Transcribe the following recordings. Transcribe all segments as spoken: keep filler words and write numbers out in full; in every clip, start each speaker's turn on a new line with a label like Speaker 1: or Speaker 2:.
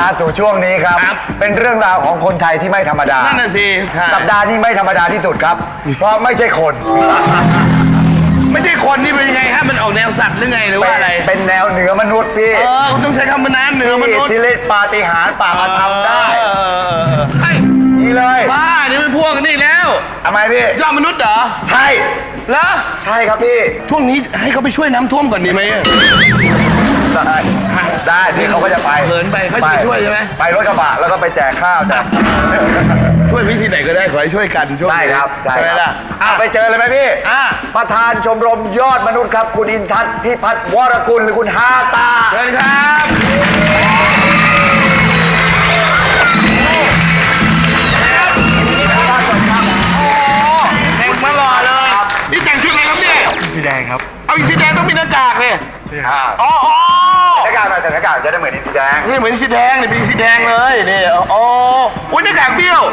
Speaker 1: มาสู่ช่วงนี้ครับ เป็นเรื่องราวของคนไทยที่ไม่ธรรมดา
Speaker 2: นั่นน่ะสิ
Speaker 1: สัปดาห์นี้ไม่ธรรมดาที่สุดครับ เพราะไม่ใช่คน
Speaker 2: ไม่ใช่คนนี่เป็นยังไงฮะมันออกแนวสัตว์หรือไงหรือว่าอะไร
Speaker 1: เป็นแนวเหนือมนุษย์พี่
Speaker 2: เออคุณต้องใช้คำว่าน้ำเหนือมนุษย์
Speaker 1: ที่เล่นปาฏิหาริย์ป่ามาทำได้
Speaker 2: ใช่
Speaker 1: นี่เลย
Speaker 2: บ้านี่มันพวกนี่แล้ว
Speaker 1: ทำไมพี่
Speaker 2: ยอดมนุษย์เหรอ
Speaker 1: ใช่
Speaker 2: แล้ว
Speaker 1: ใช่ครับพี่
Speaker 2: ช่วงนี้ให้เขาไปช่วยน้ำท่วมก่อนดีไหม
Speaker 1: ได้ได้ที่เขาก็จะไป
Speaker 2: เหินไปเขาจะไปช่วยใช่ไหม
Speaker 1: ไปรถกระบะแล้วก็ไปแจกข้าวแจก
Speaker 2: ช่วยวิธีไหนก็ได้ขอให้ช่วยกันช่วย
Speaker 1: ได้ครับใช่
Speaker 2: ไหม
Speaker 1: ครั
Speaker 2: ล่ะ
Speaker 1: บอ่ะไปเจอเลยไหมพี่
Speaker 2: อ่ะ
Speaker 1: ประธานชมรมยอดมนุษย์ครับ คุณอินทัศน์พิพัฒน์วรกุลหรือคุณฮาตา
Speaker 2: เชิญครับแต่งมาหล่อเลยนี่แต่งชุดอะไรครับเนี่ย
Speaker 3: สีแดงครับ
Speaker 2: เอาอีกสีแดงต้องมีหน้ากากเลย
Speaker 1: อ่า
Speaker 2: อ๋ออ๋อ
Speaker 1: หน้ากากมาแต่หน้ากากจะได้เหมือนอินทแดง
Speaker 2: นี่เหมือนสีแดงนี่เป็นสีแดงเลยนี่อ๋อโอ้ยหน้ากากเบี้ยว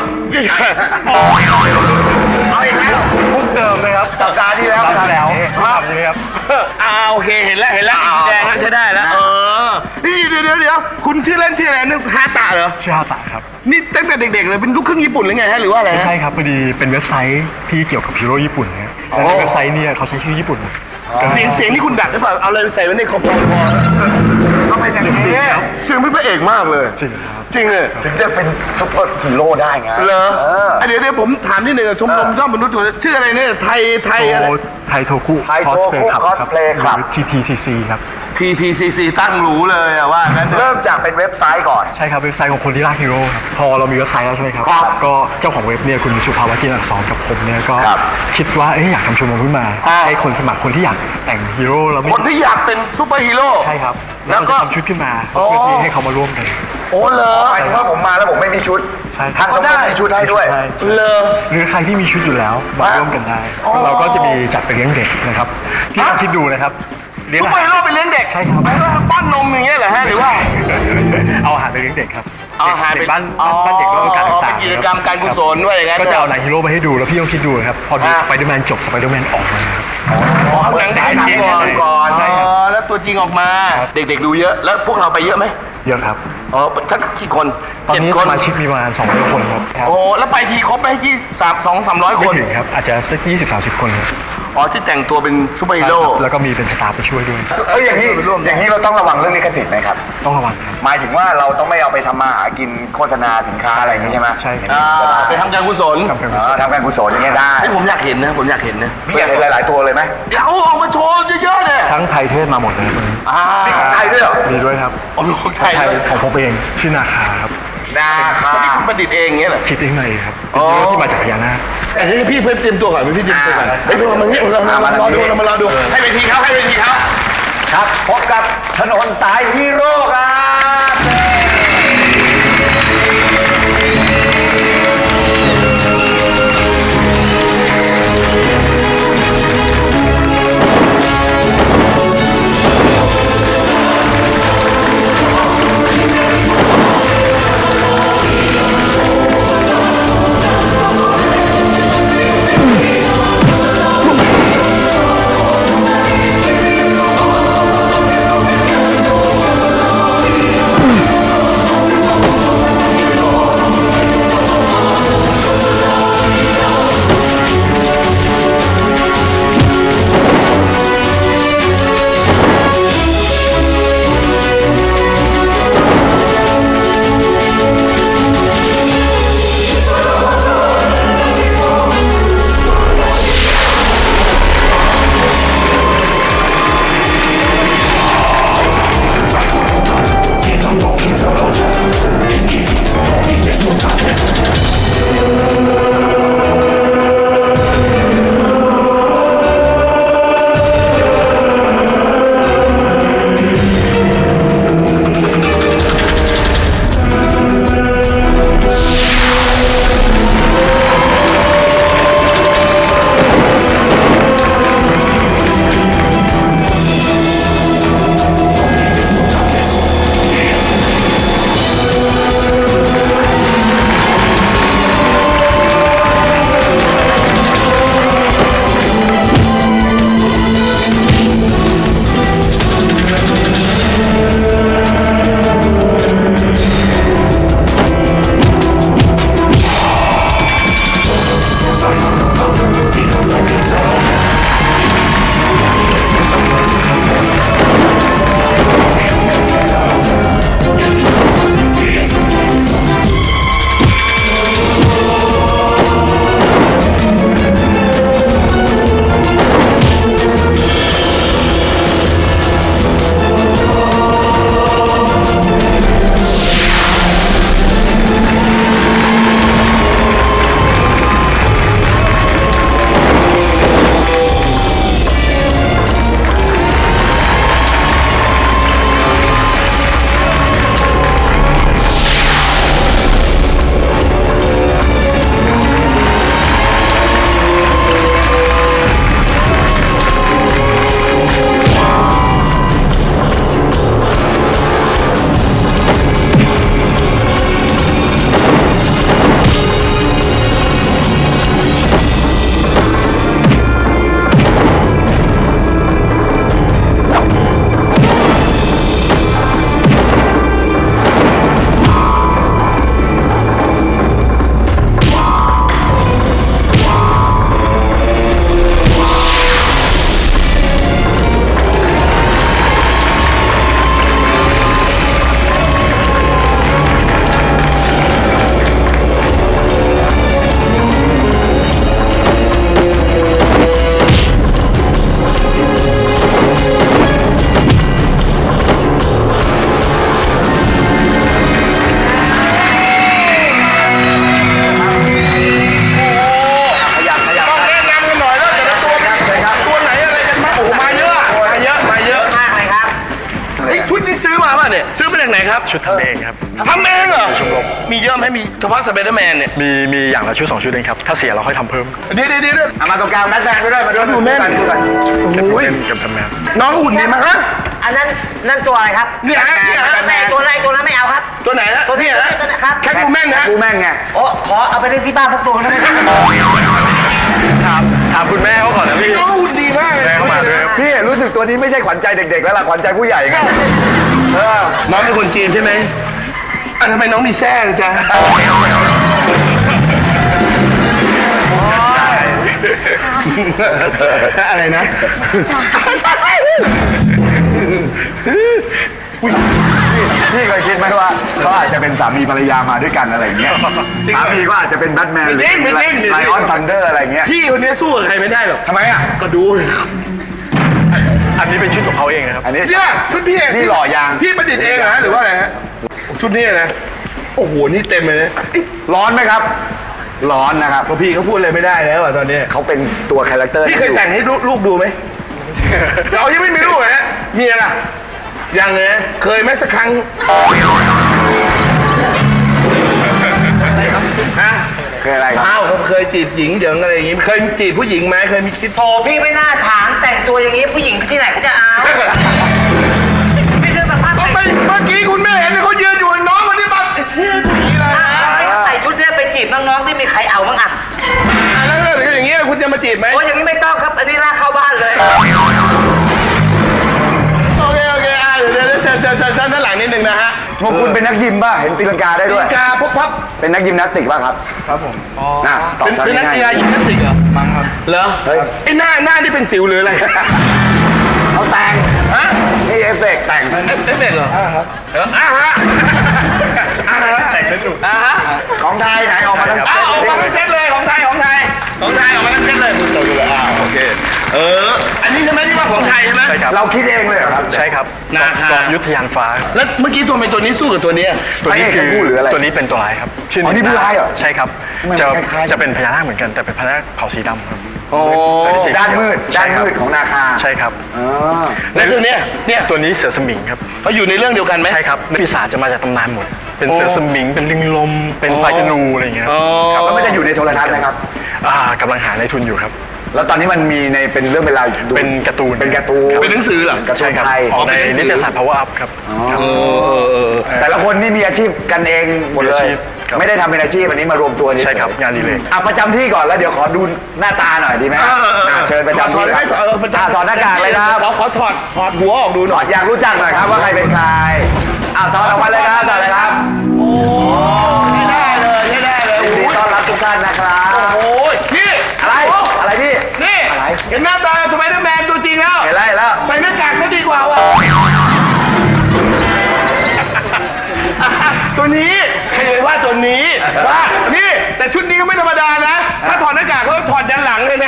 Speaker 2: เอาอีกแล้ว
Speaker 1: มุกเดิมเลยครับสัปดาห์ที่แล้ว
Speaker 3: แล้ว
Speaker 1: ครับ
Speaker 3: ใช่ไหมครับ
Speaker 2: อ่าโอเคเห็นแล้วเห็นแล้วสีแดงแล้วใช้ได้แล้วเออนี่เดี๋ยวเดี๋ยวเดี๋ยวคุณชื่อเล่นชื่ออะไรนึกฮาตะเหรอ
Speaker 3: ชื่อฮาตะครับ
Speaker 2: นี่ตั้งแต่เด็กๆเลยเป็นลูกครึ่งญี่ปุ่นหรือไงฮะหรือว่าอะไร
Speaker 3: ไม่
Speaker 2: ฮะ
Speaker 3: ใช่ครับพอดีเป็นเว็บไซต์ที่เกี่ยวกับฮีโร่ญี่ปุ่นนะแล้วในเว็บไซต์เนี่ยเขาใช้ชื่อญี่ปุ่น
Speaker 2: เสียงเสียงนี่คุณดัดหรือเปล่าเอาเลยใส่ไว้ในคอมพอ
Speaker 1: ก็เป็นอย่างนี้
Speaker 2: เสียงเป็นพระเอกมากเลย
Speaker 3: จริงครับ
Speaker 2: จริงเลย
Speaker 1: ถึงจะเป็นซุปเปอร์ฮีโร่ได้ไง
Speaker 2: เหรอ
Speaker 1: เออ
Speaker 2: เดี๋ยวเดี๋ยวผมถามนิดหนึ่งชมรมยอดมนุษย์ชื่ออะไรเนี่ยไทยไทยอะไร
Speaker 3: โทไทยโทคุ
Speaker 1: ไทยโทคุ
Speaker 3: ครับ
Speaker 1: Cosplay
Speaker 3: ห
Speaker 1: Club
Speaker 3: รือ ที ที ซี ซี ครับ
Speaker 2: พี พี ซี ซี ตั้งหรูเลยอะว่างั้น
Speaker 1: เริ่มจากเป็นเว็บไซต์ก่อน
Speaker 3: ใช่ครับเว็บไซต์ของคนที่รักฮีโร่ครับพอเรามีเว็บไซต์แล้วใช่ไหมครับ
Speaker 1: ครับ
Speaker 3: ก็เจ้าของเว็บเนี่ยคุณสุภาวะจินอักษรกับผมเนี่ยก็
Speaker 1: ครับ
Speaker 3: คิดว่าเอ๊ะอยากทำชมรมขึ้นมาให้คนสมัครคนที่อยากแต่งฮีโร่แล้วไม่
Speaker 2: คนที่อยากเป็นซูเปอร์ฮีโร่
Speaker 3: ใช่ครับ
Speaker 2: แล้
Speaker 3: แล้ว ว
Speaker 2: ก็
Speaker 3: ก็ทำชุดขึ้นมา
Speaker 2: โอ้
Speaker 3: เพื่อที่ให้เขามาร่วมกัน
Speaker 2: โอ้เหรอ
Speaker 1: หมายถึงว่าผมมาแล้วผมไม่มีชุด
Speaker 3: ใช่ค
Speaker 1: ทา
Speaker 3: รับ
Speaker 1: งต้องมีชุดให้ด้วย
Speaker 3: ใช่
Speaker 2: เลอ
Speaker 3: หรือใครที่มีชุดอยู่แล้วมาร่วมกันได้
Speaker 2: อ๋อ
Speaker 3: เราก็จะมีจัดไปเลี้ยงเด็กนะครับพี่ลองคิดดูนะครับเลี้ยง
Speaker 2: ซู
Speaker 3: อา
Speaker 2: เปอร์
Speaker 3: หาร
Speaker 2: ฮีโร่เป็นเลี้ยงเด็ก
Speaker 3: ใช่ครับ
Speaker 2: หมายว่าป้อนนมอย่างเงี้ยเหรอฮะหรือว่า
Speaker 3: เอาอาหารไปเลี้ยงเด็กครับ
Speaker 2: เอาอาหาร
Speaker 3: เด็
Speaker 2: ไป
Speaker 3: กบ้านบ้านเด็กก็การ
Speaker 2: อ๋อ
Speaker 3: ต่าง
Speaker 2: เป็นกิจกรรมการกุศลว่าอย่างนั้น
Speaker 3: ก็จะเอาหนังฮีโร่มาให้ดูแล้วพี่ต้องคิดดูนะครับพอดู
Speaker 2: อ่า
Speaker 3: สไปเดอร์แมนจบสไปเดอร์แมนออกมาครับ
Speaker 2: อ๋อหนังฉายหนังก่อน
Speaker 1: ก่อน
Speaker 2: อ๋
Speaker 1: ใช่ครับ
Speaker 2: อแล้วตัวจริงออกมา
Speaker 3: ครับ
Speaker 2: เด็กๆดูเยอะแล้วพวกเราไปเยอะไหม
Speaker 3: เยอะครับ
Speaker 2: อ๋อสักกี่คน
Speaker 3: ตอน
Speaker 2: เจ็ด
Speaker 3: นี้
Speaker 2: ค
Speaker 3: ส
Speaker 2: น
Speaker 3: มาชิกมีประมาณสองร้อยคนครับ
Speaker 2: โอ้แล้วไปทีครบไหมที่สามสองสามร้อยค
Speaker 3: ไม่
Speaker 2: น
Speaker 3: ถึงครับอาจจะสักยี่สิบสามสิบคนครับ
Speaker 2: อ๋อที่แต่งตัวเป็นซูเปอร์ฮีโร่
Speaker 3: แล้วก็มีเป็นสตาฟไปช่วยด้วย
Speaker 1: เอ้ยอย่างนี้อย่างนี้เราต้องระวังเรื่องลิขสิทธิ์ไหมครับ
Speaker 3: ต้องระวังครับ
Speaker 1: หมายถึงว่าเราต้องไม่เอาไปทำมาหากินโฆษณาสินค้าอะไรอย่างนี้ใช่ไหม
Speaker 3: ใช่ครับ
Speaker 2: อ่าไปทำการกุศล
Speaker 3: ทำกัน
Speaker 1: เออทำการกุศลอย่างเงี้ยได้
Speaker 2: ให้ผมอยากเห็นนะผมอยากเห็นนะ
Speaker 1: พี่อยากเห็นหลาย ๆ ตัวเลยไหม
Speaker 2: เอาออกมาโชว์เยอะๆเนี่ย
Speaker 3: ทั้งไทยเทศมาหมดเลยวันนี้
Speaker 2: อ่า
Speaker 1: นี่ของไทยด้วยเหรอ
Speaker 3: มีด้วยครับ
Speaker 2: เอาเป็นคนไทย
Speaker 3: ไทย
Speaker 2: ด้วย
Speaker 3: ของผมเองชื่อนาคาครับ
Speaker 1: นาคา
Speaker 2: นี่คุณประดิษฐ์เองเงี้ยเหรอ
Speaker 3: คิดเองเลยครับ
Speaker 2: อ๋อ
Speaker 3: เป็นฮีโร่ที่มาจากพญานาค
Speaker 2: อันนี้พี่เพิ่มเตรียมตัวก่อนพี่เตรียมตัวก่อนเฮ้ยเรามาเนี่ยเรามารอดูเรามารอดูให้เวทีเขาให้เวทีเขา
Speaker 1: ครับพบกับถนนสายฮีโร่ครับ
Speaker 2: ครับ
Speaker 3: ชุดทำเองครับ
Speaker 2: ทำเองเหรอ
Speaker 3: ชมรม
Speaker 2: มีเยอะไหมมีเฉพาะสไปเดอร์แมนเนี่ย
Speaker 3: มีมีอย่างละชุดสองชุดเองครับถ้าเสียเราค่อยทำเพิ่ม
Speaker 2: เดี๋ยวเดี๋ยวเดี๋ยว
Speaker 1: เอามาตรงกลางแมทแมนไปด้วยมาด้วย
Speaker 2: ดูแม่น
Speaker 1: ดูกัน
Speaker 2: โอ้ย
Speaker 3: เป็นกับทำงาน
Speaker 2: น้องหุ่นดีมากฮะ
Speaker 4: อันนั้นนั่นตัวอะไรครับ
Speaker 2: เนี่ยฮะเนี่ยฮะ
Speaker 4: แต่ตัวไหนตัวนั้นไม่เอาครับ
Speaker 2: ตัวไหนฮะ
Speaker 4: ตัวนี้
Speaker 2: เนี่ยฮะ
Speaker 4: ตัวนี้ครับ
Speaker 2: แคทวูแมนฮะ
Speaker 1: กูแม่งไง
Speaker 4: โอ้ขอเอาไปเล่นที่บ้านสักตัวได้ไหมครับ
Speaker 3: ถามถามคุณแม่เขาก่อนนะพี่
Speaker 2: น้องหุ่นดีมากเลย
Speaker 3: แม่เข้ามาด้วยครับ
Speaker 1: พี่รู้สึกตัวนี้ไม่ใช่ขวัญใจเด็กๆแล้วล่ะขวัญใจผู้ใหญ่ไงเออ
Speaker 2: น้องเป็นคนจีนใช่ไหมอ่ะทำไมน้องมีแซ่เลยจ๊ะอะไรนะ
Speaker 1: พี่เคยคิดไหมว่าเขาอาจจะเป็นสามีภรรยามาด้วยกันอะไรอย่างเงี้ยสามีก็อาจจะเป็นแบทแมนหรือ
Speaker 2: ไม่จริงไม่จริง
Speaker 1: ไลออนทันเดอร์อะไรเงี้ย
Speaker 2: พี่คนนี้สู้กับใครไม่ได้หรอก
Speaker 1: ทำไมอ่ะ
Speaker 2: ก็ดู
Speaker 3: อันนี้เป็นชุดของเขาเองนะครับ
Speaker 1: อันนี้
Speaker 2: เนี่ยชุดพี่เอง
Speaker 1: นี่หล่อยาง
Speaker 2: พี่ประดิษฐ์เองเหรอฮะหรือว่าอะไรฮะชุดนี้นะโอ้โหนี่เต็มเลยนะ
Speaker 1: ร้อนไหมครับ ร้อนนะครับ
Speaker 2: เพราะพี่เขาพูดอะไรไม่ได้แล้วอะตอนนี้
Speaker 1: เขาเป็นตัวคาแรคเตอร์
Speaker 2: พี่เคยแต่งให้ลูกลูกดูไหม เรายังไม่มีลูกเหรอฮะเมียล่ะยังเลยนะเคยไหมสักครั้งฮะ
Speaker 1: เคยอะไรครับ
Speaker 2: อ้าวเขาเคยจีบหญิงเดี๋ยวอะไรอย่างงี้เคยจีบผู้หญิงไหมเคยมีคิด
Speaker 4: โถพี่ไม่น่าถามแต่งตัวอย่างนี้ผู้หญิงที่ไหนเขาจะเอาไม่เรื่องสภาพ
Speaker 2: ก็ไม่เมื่อกี้คุณแม่เห็นเขายืนอยู่น้องคนนี้แบบเชี่ยผีเลย
Speaker 4: ใส่ชุดเนี้ยไปจีบน้องๆที่มีใครเอาบ้างอ่ะ
Speaker 2: อ่ะแล้วถ้าอย่างเงี้ยคุณจะมาจีบไหม
Speaker 4: โอ้ยอย่างนี้ไม่ต้องครับอันนี้ลากเข้าบ้านเลย
Speaker 2: โอเคโอเคอ่ะเดี๋ยวเดี๋ยวเดี๋ยวเดี๋ยวเดี๋ยวชั้นด้านหลังนิดนึงนะฮะ
Speaker 1: พวกคุณเป็นนักยิมป่ะ เห็นตีลังกาได้ด้วย
Speaker 2: กาพบพับ
Speaker 1: เป็นนักยิมนาสติกป่ะครับ
Speaker 3: ครับผมอ๋อ
Speaker 1: น่ะตอบ
Speaker 2: เป็น
Speaker 1: ชั้น
Speaker 2: เป็นนัก
Speaker 1: ง่าย
Speaker 2: กีฬายิมนาสติกเหรอ
Speaker 3: มั้งครับ
Speaker 2: เหรอ
Speaker 1: เฮ้ย
Speaker 2: ไอ้หน้าหน้าที่เป็นสิวหรืออะไร
Speaker 1: เขาแต่ง
Speaker 2: ฮะ
Speaker 1: นี่เอฟเฟกต์แต่ง
Speaker 2: เอฟเฟกต์เหรออ่าครับอ่าฮะอ่าฮะ
Speaker 3: แต่งสนุก
Speaker 2: อ่าฮะ
Speaker 1: ของไทยไหนออกมาทั้ง
Speaker 2: อ้าวออกมา
Speaker 1: เซ
Speaker 2: ทั้ง
Speaker 1: ต
Speaker 2: เซตเลยของไทยของไทยของไทยออกมาทั้งเซตเลยคุณโตดูเลยอ่าโอเคเอออันนี้ใช่ไหมที่ว่าของไทยใช่ไหม
Speaker 3: ใช่ครับ
Speaker 1: เราคิดเองเลยเหรอครับ
Speaker 3: ใช่ครับ
Speaker 2: นาคา
Speaker 3: กองยุทธยานฟ้า
Speaker 2: แล้วเมื่อกี้ตัวเป็นตัวนี้สู้กับตัวเนี้ย
Speaker 3: ตัวนี้
Speaker 1: ไม่
Speaker 3: คื
Speaker 1: ใช่ผู้หรืออะไร
Speaker 3: ตัวนี้เป็นตัวร้ายครับชื่
Speaker 1: อ๋อนี่ผู้ร้ายเหรอ
Speaker 3: ใช่ครับ
Speaker 1: มัน
Speaker 3: จะ
Speaker 1: คล้ายๆ
Speaker 3: จะเป็นพญานาคเหมือนกันแต่เป็นพญานาคเผ่าสีดำครับ
Speaker 2: โอ้
Speaker 1: ด้านมืดด้านมืดของนาคา
Speaker 3: ใช่ครับ
Speaker 1: อ๋อ
Speaker 2: แล้วตัวเนี้ยเนี่ย
Speaker 3: ตัวนี้เสือสมิงครับ
Speaker 2: เขาอยู่ในเรื่องเดียวกันไหม
Speaker 3: ใช่ครับปีศาจจะมาจากตำนานหมด เป็น
Speaker 2: โอ้
Speaker 3: เสือสมิงเป็นลิงลมเป็นไฟธนูอะไรอย่างเงี้ย
Speaker 2: อ๋อ
Speaker 1: ครับแล้วมันจะอยู่ในโทรทัศน์ไหมครับ
Speaker 3: อ่ากำลังหาในทุนอยู่ครับ
Speaker 1: แล้วตอนนี้มันมีในเป็นเรื่องเป็นราวดู
Speaker 3: เป็นการ์ตูน
Speaker 1: เป็นการ์ตูน
Speaker 2: เป็นหนังสือเหรอ
Speaker 1: การ์ตู
Speaker 3: ใช่
Speaker 1: น
Speaker 3: ครับ
Speaker 1: ไทย
Speaker 3: ออกใน
Speaker 2: เป็นหนังสือ
Speaker 3: นิตยสาร power up ครับครับ
Speaker 2: เออเออเออ
Speaker 1: แต่ละคนนี่มีอาชีพกันเองหมดเล
Speaker 3: มีอาย ชีพครับ
Speaker 1: ไม่ได้ทำเป็นอาชีพอันนี้มารวมตัวนี่
Speaker 3: ใช่ครับงานอดีเลย
Speaker 1: อ่ะประจำที่ก่อนแล้วเดี๋ยวขอดูหน้าตาหน่อยดีไหม
Speaker 2: เออเออเออ
Speaker 1: อ่ะเชิญประจำที่ครับ
Speaker 2: เออประจำ
Speaker 1: อ่ะถอดหน้ากากเลยครับ
Speaker 2: เราขอถอดถอดหัวออกดูห
Speaker 1: ถ
Speaker 2: น่
Speaker 1: อ
Speaker 2: อย
Speaker 1: ดอยากรู้จักหน่อยครับว่าใครเป็นใครอ่ะถอดออกมาเลยครับถอดเลยครับ
Speaker 2: ใช้ได้เลยใช้ได้เลย
Speaker 1: ยินดีต้อนรับทุกท่านนะครับ
Speaker 2: โอ้ยนี่
Speaker 1: อะไรอะไรพี่
Speaker 2: นี่
Speaker 1: อะไร
Speaker 2: เห็นหน้าตาสไปเดอร์แมนตัวจริงแล้ว
Speaker 1: เห็นแล้วเห็นแล้ว
Speaker 2: ใส่หน้ากากซะดีกว่าว่ะ ตัวนี้ใครเลยว่าตัวนี้ว่านี่แต่ชุดนี้ก็ไม่ธรรมดานะ ถ้าถอดหน้ากากก็ถอดยันหลังเลยนะ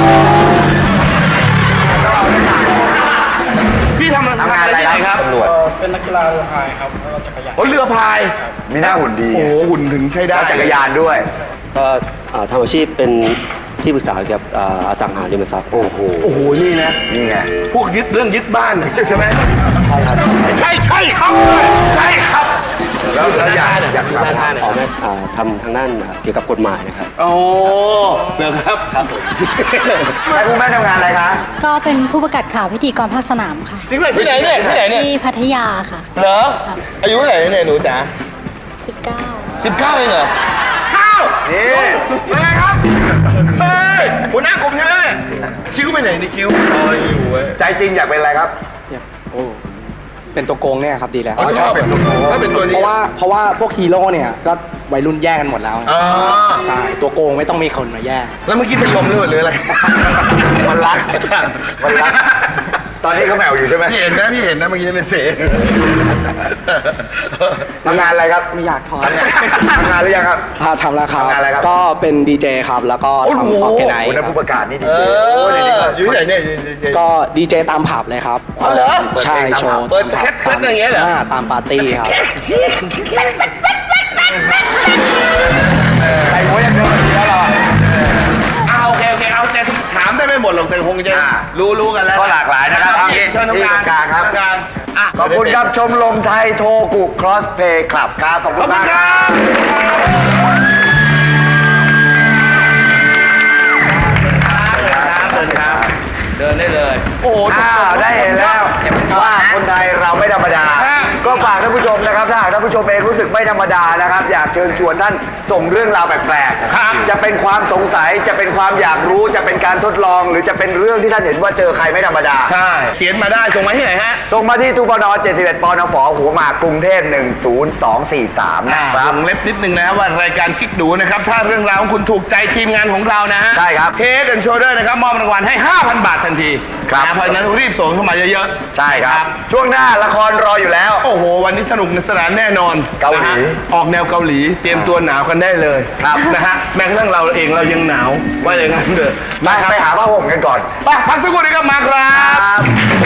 Speaker 2: พี่ทำ
Speaker 1: ทำงานอะไร
Speaker 2: ที่ห
Speaker 1: ครับตำรวจ
Speaker 5: เป็นนักกีฬาเรือพายครับแล้วก็จักรยาน
Speaker 2: โอ้เรือพาย
Speaker 1: มีหน้าหุ่นดี
Speaker 2: โอ้โหหุ่นถึงใช้ได้
Speaker 1: แล้วจักรยานด้วย
Speaker 6: ก็อ่าทำอาชีพเป็นที่ปรึกษาเกี่ยวกับอ่าอสังหาริมทรัพย์ โอ้โห
Speaker 2: โอ้โหนี่นะ
Speaker 1: นี่ไง
Speaker 2: พวกยึดเรื่องยึดบ้านใช่ไหม
Speaker 6: ใช่ครับ
Speaker 2: ใช่ใช่ครับใช่ครับ
Speaker 1: แล้วแล้วอยากอยาก
Speaker 6: ดู
Speaker 1: ทำ
Speaker 6: ด้านหน้าออกมาอ่าทำทางด้านอ่าเกี่ยวกับกฎหมายนะครับ
Speaker 2: โอ้นะครับครับผม
Speaker 1: ใครคุณแม่ทำงานอะไรคะ
Speaker 7: ก็เป็นผู้ประกาศข่าวพิธีกรภาคสนามค่ะ
Speaker 2: จริงเลยที่ไหนเนี่ยที่ไหนเนี่ย
Speaker 7: ที่พัทยาค่ะ
Speaker 2: เหรออายุเท่าไหร่เนี่ยหนูจ๋า
Speaker 7: สิบเก้า
Speaker 2: สิบเก้าเองเหรอข้าว
Speaker 1: นี่
Speaker 2: เป็นไงครับเฮ้ยหัวหน้ากลุ่มใช่ไหมเนี่ยคิ้วไปไหนนี่คิ้วอ๋ออยู่เว้ย
Speaker 1: ใจจริงอยากเป็นอะไรครับ
Speaker 5: โอ้เป็นตัวโกงเนี่ยครับดีแล้ว
Speaker 2: อ๋อชอบเป็นตัวถ้าเป็นตัวนี้
Speaker 5: เพราะว่าเพราะว่าพวกฮีโร่เนี่ยก็วัยรุ่นแย่งกันหมดแล้ว
Speaker 2: อ๋อ
Speaker 5: ใช่ตัวโกงไม่ต้องมีคนมาแย่ง
Speaker 2: แล้วเมื่อกี้เป็นลมหรือหรืออะไร
Speaker 1: มันรักมันรัก ตอนนี้เขาแมวอยู่ใช่ไหม
Speaker 2: พี่เห็นนะพี่เห็นนะเมื่อกี้ในเส
Speaker 1: ทำงานอะไรครับ
Speaker 5: ไม่อยากทอน
Speaker 1: ทำงานหรือยังครับ
Speaker 5: ถ้าทำแล้วครับ
Speaker 1: ทำงานอะไรครับ
Speaker 5: ก็เป็นดีเจครับ แล้วก็
Speaker 2: โอ้โห
Speaker 5: ทำออร์แกไน
Speaker 1: โอ้
Speaker 5: ซ์
Speaker 1: นักผู้ประกาศนี่ดี
Speaker 2: เอ
Speaker 1: เจ
Speaker 2: ออยู่ที่ไหนเนี่ยอยู่ที่ไหน
Speaker 5: ก็ดีเจตามผับเลยครับ
Speaker 2: อ๋อเหรอ
Speaker 5: ใช่โชว์
Speaker 2: เปิดสเก็ตเซ็ตอย่างเงี้ยเหรอ
Speaker 5: ตามปาร์ตี้ครับ
Speaker 1: ใส่หัวอย่างเดียวดีแล้วเหรอ
Speaker 2: เอาโอเคโอเคเอาใจถามได้ไม่หมดหรอกแต่คงจะ
Speaker 1: อ่า
Speaker 2: รู้รู้กันแล้ว
Speaker 1: ก็หลากหลายนะครับ
Speaker 2: เชิญตรง
Speaker 1: ที่
Speaker 2: กลาง
Speaker 1: กลางครับ
Speaker 2: ตงกลางอ่ะ
Speaker 1: ขอบคุณครับชมรมไทยโทกุครอสเพย์คลับครับขอบ
Speaker 2: ข
Speaker 1: คุ
Speaker 2: อบ
Speaker 1: ณ
Speaker 2: คุ
Speaker 1: มาก
Speaker 2: ณ
Speaker 1: ค
Speaker 2: ค
Speaker 1: รั
Speaker 2: รับ บเดินครับเดินได้เลย โอ้โห
Speaker 1: อ้าวได้เห็นแล้วว่าคนไทยเราไม่ธรรมดา
Speaker 2: ฮะ
Speaker 1: ก็ฝากท่านผู้ชมนะครับถ้าหากท่านผู้ชมเองรู้สึกไม่ธรรมดานะครับ อยากเชิญชวนท่านส่งเรื่องราวแปลก
Speaker 2: ครับ
Speaker 1: ๆจะเป็นความสงสัยจะเป็นความอยากรู้จะเป็นการทดลอง หรือจะเป็นเรื่องที่ท่านเห็นว่าเจอใครไม่ธรรมดา
Speaker 2: ใช่เขียนมาได้ส่งมาที่ไหนฮะ
Speaker 1: ส่งมาที่ทุปนเจ็ดสิบเอ็ดปนฝหัวหมากกรุงเทพหนึ่งศูนย์สองสี่สามนะค
Speaker 2: ว
Speaker 1: รับ
Speaker 2: งเล็บนิดนึงนะว่ารายการกิ๊กดูนะครับ ถ้าเรื่องราวของคุณถูกใจทีมงานของเรานะฮะ
Speaker 1: ใช่ครับ
Speaker 2: เทสแอนด์โชเดอร์นะครับมอบรางวัลให้ ห้าพัน บาททันที
Speaker 1: ครับ
Speaker 2: นะเพราะฉะนั้นรีบส่งเข้ามาเยอะๆ
Speaker 1: ใช่ครับ ช่วงหน้าละครรออยู่แล้ว
Speaker 2: โอ้โห วันนี้สนุกสนานแน่นอน
Speaker 1: เกาหลี
Speaker 2: นะฮะออกแนวเกาหลี เตรียมตัวหนาวกันได้เลย
Speaker 1: ครับ
Speaker 2: นะฮะแม้กระทั่งเราเองเรายังหนาวว่าอย่างนั้นเถอะ
Speaker 1: ไป
Speaker 2: นะครับ
Speaker 1: ไปหาผ้าห่มกันก่อน
Speaker 2: ไปพักสักครู่นี้ก็มาครับ
Speaker 1: ครับ